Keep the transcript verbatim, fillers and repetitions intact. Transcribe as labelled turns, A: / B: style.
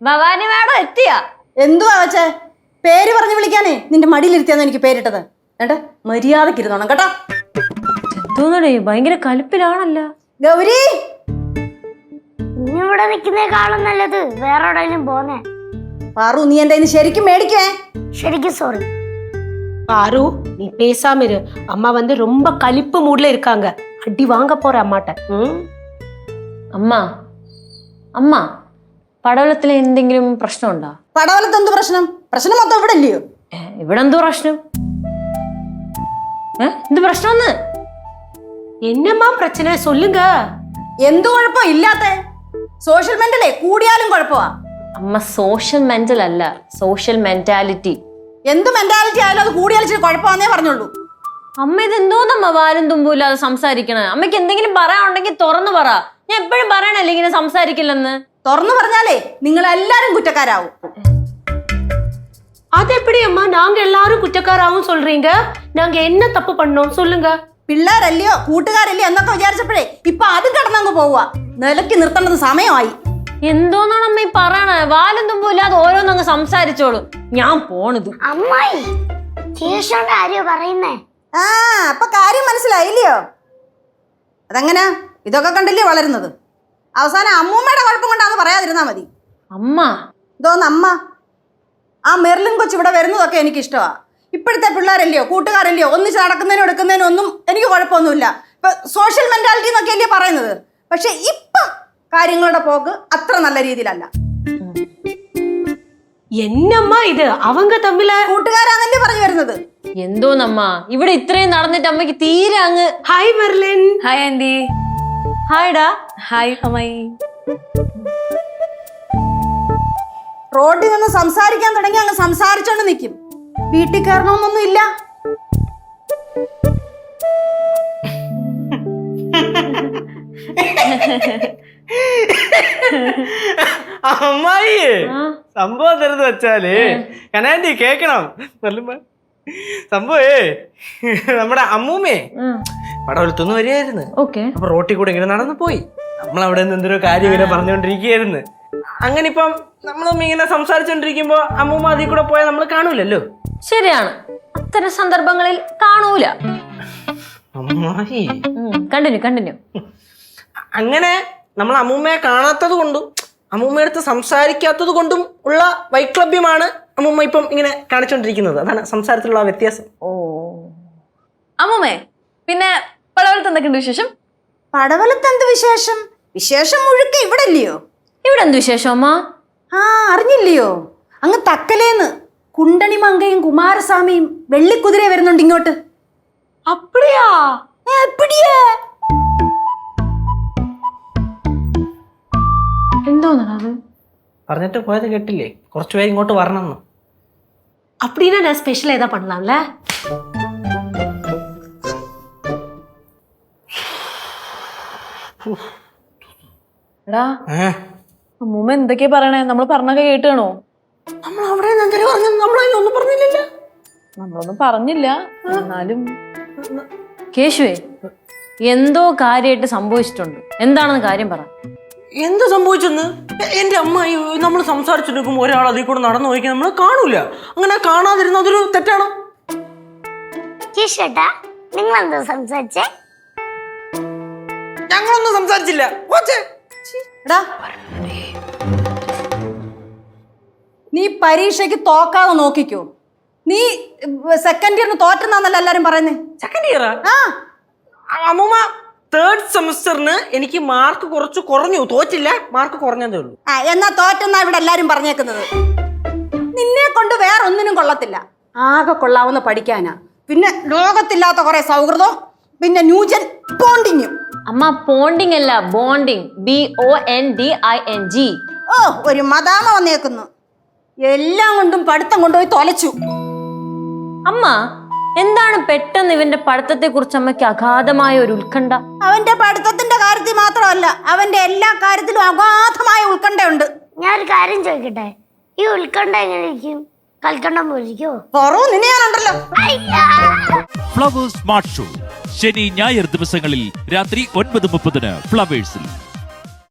A: Bhavani madam എത്തിയാ?
B: എന്തുവാ വെച്ചേ? പേര് പറഞ്ഞു വിളിക്കാനേ നിന്റെ മടിയിലിരുത്തിയാന്ന് എനിക്ക് പേരിട്ടത്. ഏട്ടാ മര്യാദക്ക് ഇരുന്നോണം കേട്ടോ.
A: എന്തോന്നടേ ഭയങ്കര കലിപ്പിലാണല്ലോ.
B: ഗൗരി,
C: ഇവിടെ നിൽക്കുന്നേക്കാളും നല്ലത് വേറെ എവിടെയെങ്കിലും പോന്നേ.
B: പാറു, നീ എന്റെ ശരിക്കും മേടിക്കേ.
C: ശരിക്കും സോറി.
D: பாரு நீ பேசாம இரு. அம்மா வந்து ரொம்ப கலிப்பு மூட்ல இருக்காங்க. அடி வாங்க போற அம்மாட்ட.
A: അമ്മ അമ്മ പടവലത്തിലെ എന്തെങ്കിലും പ്രശ്നമുണ്ടോ?
B: പടവലത്ത് എന്ത് പ്രശ്നം? പ്രശ്നം മൊത്തം ഇവിടെ ഇല്ലയോ?
A: ഇവിടെ എന്തോ പ്രശ്നം? എന്ത് പ്രശ്നം?
D: എന്നമ്മാ പ്രശ്നം சொல்லுங்க.
B: എന്ത് കുഴപ്പം ഇല്ലാത്ത? സോഷ്യൽ മെന്റലേ കൂടിയാലും കുഴപ്പമാ.
A: അമ്മ സോഷ്യൽ മെന്റൽ അല്ല, സോഷ്യൽ മെന്റാലിറ്റി.
B: എന്ത് മെന്റാലിറ്റി ആയാലും അത് കൂടിയാലും ഇച്ചിരി കുഴപ്പമാന്നേ പറഞ്ഞോളൂ.
A: അമ്മ ഇതെന്തോന്നമ്മ വാലും തുമ്പും ഇല്ലാതെ സംസാരിക്കണേ? അമ്മയ്ക്ക് എന്തെങ്കിലും പറയാനുണ്ടെങ്കിൽ തുറന്നു പറ. ഞാൻ എപ്പോഴും പറയണല്ലേ ഇങ്ങനെ സംസാരിക്കില്ലെന്ന്.
B: തുറന്നു പറഞ്ഞാലേ നിങ്ങൾ എല്ലാരും കുറ്റക്കാരാവും.
D: അതെപ്പടി അമ്മ നാങ്ക എല്ലാരും കുറ്റക്കാരാവും சொல்றீங்க? നാങ്ക என்ன തപ്പ് பண்ணோம் சொல்லுங்க.
B: പിള്ളേരല്ലയോ കൂട്ടുകാരല്ലയോ എന്നൊക്കെ വിചാരിച്ചപ്പോഴേ ഇപ്പൊ അതും കടന്നങ്ങ് പോവുക. നിലയ്ക്ക് നിർത്തേണ്ടത് സമയമായി.
A: എന്തോന്നാണ് അമ്മ ഈ പറയണേ? വാലും തുമ്പും ഇല്ലാതെ ഓരോന്നങ്ങ് സംസാരിച്ചോളൂ. ഞാൻ പോണത്.
C: അമ്മായി ശേഷോണ്ട് ആരെയോ പറയുന്നേ?
B: ആ അപ്പൊ കാര്യം മനസ്സിലായില്ലയോ? അതെങ്ങനാ? ഇതൊക്കെ കണ്ടില്ലേ വളരുന്നത്. അവസാനം അമ്മൂമ്മയുടെ കുഴപ്പം കൊണ്ടാന്ന് പറയാതിരുന്നാ മതി.
A: അമ്മ
B: ഇതോന്ന് അമ്മ. ആ മെർലിൻ കൊച്ച് ഇവിടെ വരുന്നതൊക്കെ എനിക്ക് ഇഷ്ടമാ. ഇപ്പോഴത്തെ പിള്ളേരല്ലയോ കൂട്ടുകാരല്ലയോ ഒന്നിച്ച് നടക്കുന്നതിനും എടുക്കുന്നതിനും ഒന്നും എനിക്ക് കുഴപ്പമൊന്നുമില്ല. ഇപ്പൊ സോഷ്യൽ മെന്റാലിറ്റി എന്നൊക്കെ അല്ലേ പറയുന്നത്. പക്ഷെ ഇപ്പം കാര്യങ്ങളുടെ പോക്ക് അത്ര നല്ല രീതിയിലല്ല.
D: എന്നമ്മ ഇത് അവങ്ക തമ്മില്
B: കൂട്ടുകാരാന്നല്ലേ പറഞ്ഞു വരുന്നത്.
A: എന്തോന്നമ്മ ഇവിടെ ഇത്രയും നടന്നിട്ട് അമ്മയ്ക്ക് തീരെ അങ്ങ്.
D: Hi Merlin.
A: Hi aunty. ഹായ്ഡാ. ഹായ് അമ്മായി.
B: റോഡിൽ നിന്ന് സംസാരിക്കാൻ തുടങ്ങി അങ്ങ് സംസാരിച്ചോണ്ട് നിൽക്കും. വീട്ടിൽ കയറണമെന്നൊന്നും ഇല്ല.
E: അമ്മായി സംഭവം തരുന്നത് വെച്ചാല് കനാൻഡി കേക്കണം. സംഭവേ നമ്മുടെ അമ്മൂമ്മേ പടവലത്തൊന്നും വരികയായിരുന്നു. അപ്പൊ റോട്ടിൽ കൂടെ ഇങ്ങനെ നടന്നു പോയി. നമ്മളവിടെ നിന്ന് എന്തൊരു കാര്യം ഇങ്ങനെ പറഞ്ഞുകൊണ്ടിരിക്കുകയായിരുന്നു. അങ്ങനെ ഇപ്പം നമ്മളും ഇങ്ങനെ സംസാരിച്ചോണ്ടിരിക്കുമ്പോ അമ്മൂമ്മ അതിൽ കൂടെ പോയാൽ നമ്മൾ കാണൂലല്ലോ.
A: ശരിയാണ്, അത്തരം സന്ദർഭങ്ങളിൽ കാണൂല.
E: അമ്മായി
A: കണ്ടിന്യൂ കണ്ടിന്യൂ.
E: അങ്ങനെ നമ്മൾ അമ്മൂമ്മയെ കാണാത്തത് കൊണ്ടും അമ്മൂമ്മയടുത്ത് സംസാരിക്കാത്തത് കൊണ്ടും ഉള്ള വൈക്ലഭ്യമാണ് അമ്മൂമ്മ ഇപ്പം ഇങ്ങനെ കാണിച്ചോണ്ടിരിക്കുന്നത്. അതാണ് സംസാരത്തിലുള്ള വ്യത്യാസം.
A: ഓ അമ്മൂമ്മേ, പിന്നെ പടവലത്ത് എന്തൊക്കെയുണ്ട് വിശേഷം?
B: പടവലത്ത് എന്ത് വിശേഷം? വിശേഷം മുഴുക്ക ഇവിടെ ഇല്ലയോ?
A: ഇവിടെ എന്ത് വിശേഷം അമ്മ?
B: ആ അറിഞ്ഞില്ലയോ? അങ്ങ് തക്കലേന്ന് കുണ്ടണിമങ്കയും കുമാരസ്വാമിയും വെള്ളിക്കുതിര വരുന്നുണ്ട് ഇങ്ങോട്ട്.
D: അപ്പടിയാ?
B: എപ്പടിയാ?
A: എന്തോന്നത്
E: പറഞ്ഞിട്ട് പോയത് കേട്ടില്ലേ? കുറച്ചുപേര് ഇങ്ങോട്ട് വരണം.
D: அப்படின்னா நான் ஸ்பெஷல் ஏதா பண்ணலாம்ல?
A: എടാ അമ്മൂമ്മ എന്തൊക്കെയാ പറയണേ? നമ്മൾ പറഞ്ഞൊക്കെ കേട്ടാണോ?
E: നമ്മൾ അവിടെ നമ്മളൊന്നും പറഞ്ഞില്ലല്ലോ.
A: നമ്മളൊന്നും പറഞ്ഞില്ല. എന്നാലും കേശുവേ എന്തോ കാര്യമായിട്ട് സംഭവിച്ചിട്ടുണ്ട്. എന്താണെന്ന് കാര്യം പറ.
E: എന്ത് സംഭവിച്ചെന്ന്? എന്റെ അമ്മായി നമ്മൾ സംസാരിച്ചിരിക്കുമ്പോൾ ഒരാൾ അതിൽ കൂടെ നടന്നു പോയിക്കാൻ നമ്മൾ കാണൂല. അങ്ങനെ കാണാതിരുന്ന അതൊരു തെറ്റാണോ?
C: ചേട്ടാ നിങ്ങൾ എന്താ സംസാരിച്ചേ?
E: ഞങ്ങളൊന്നും സംസാരിച്ചില്ല.
B: നീ പരീക്ഷയ്ക്ക് തോക്കാതെ നോക്കിക്കോ. നീ സെക്കൻഡ് ഇയറിന് തോറ്റെന്നാന്നല്ല എല്ലാരും പറയുന്നേ.
E: സെക്കൻഡ് ഇയറാ?
B: ആ
E: അമ്മൂമ്മ തേർഡ് സെമസ്റ്ററിന് എനിക്ക് മാർക്ക് കുറച്ച് കുറഞ്ഞു. തോറ്റില്ല, മാർക്ക് കുറഞ്ഞതേ ഉള്ളൂ.
B: ആ എന്നാ തോറ്റെന്നാ ഇവിടെ എല്ലാരും പറഞ്ഞേക്കുന്നത്. നിന്നെ കൊണ്ട് വേറെ ഒന്നിനും കൊള്ളത്തില്ല. ആകെ കൊള്ളാവുന്ന പഠിക്കാനാ. പിന്നെ ലോകത്തില്ലാത്ത കുറെ സൗഹൃദം, പിന്നെ ന്യൂജൻ ബോണ്ടിങ്ങും.
A: അമ്മ പോണ്ടിങ് അല്ല, bonding. B O N D I N G.
B: ഓ ഒരു മദാമ വന്നേക്കുന്നു. എല്ലാം കൊണ്ടും പഠിത്തം കൊണ്ടുപോയി തൊലച്ചു.
A: അമ്മ എന്താണ് പെട്ടെന്ന് ഇവന്റെ പഠിത്തത്തെ കുറിച്ച് അമ്മയ്ക്ക് അഗാധമായ ഒരു ഉത്കണ്ഠ?
B: അവന്റെ പഠിത്തത്തിന്റെ കാര്യത്തിൽ മാത്രമല്ല, അവന്റെ എല്ലാ കാര്യത്തിലും അഗാധമായ ഉത്കണ്ഠയുണ്ട്.
C: ഞാൻ ഒരു കാര്യം ചോദിക്കട്ടെ, ഈ ഉത്കണ്ഠ എങ്ങനെ ഇരിക്കും? കൽക്കണ്ടം പോലിരിക്കോ?
B: നിന്നെ ഞാനുണ്ടല്ലോ.
F: ഫ്ലവേഴ്സ് സ്മാർട്ട് ഷോ ശനി ഞായർ ദിവസങ്ങളിൽ രാത്രി ഒൻപത് മുപ്പതിന് ഫ്ലവേഴ്സിൽ.